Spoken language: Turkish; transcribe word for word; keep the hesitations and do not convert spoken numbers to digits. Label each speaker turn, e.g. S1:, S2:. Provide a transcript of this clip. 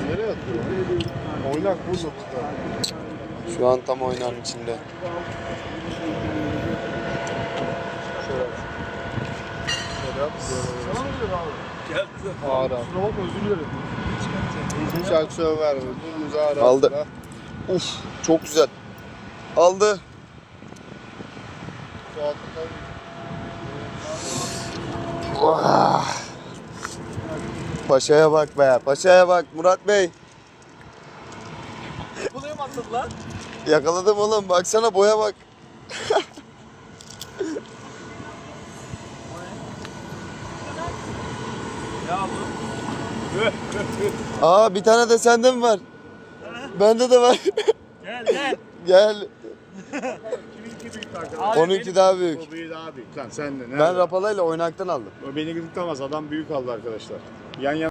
S1: Nereye atıyor? Oynak burada burada.
S2: Şu an tam oynanın içinde.
S1: Şöyle yap. Şöyle yap. Sana mı diyor abi? Gel kızım. Ağır abi. Kusura bakma özür dilerim. Hiç aksiyon verme. Dümdüz ağır abi.
S2: Aldı. Uf, çok güzel. Aldı. Oh. Paşa'ya bak be. Paşa'ya bak Murat Bey.
S3: Buraya mı attın lan?
S2: Yakaladım oğlum. Baksana boya bak.
S3: Ne aldın?
S2: Aa bir tane de sende mi var? Bende de var.
S3: Gel gel.
S2: Gel.
S1: Kiminki büyük arkadaş?
S2: onunki daha büyük.
S1: O büyüğü daha büyük. Lan sen de.
S2: Ben rapalayla oynaktan aldım.
S1: O beni gıdıklamaz. Adam büyük aldı arkadaşlar. Yan yana.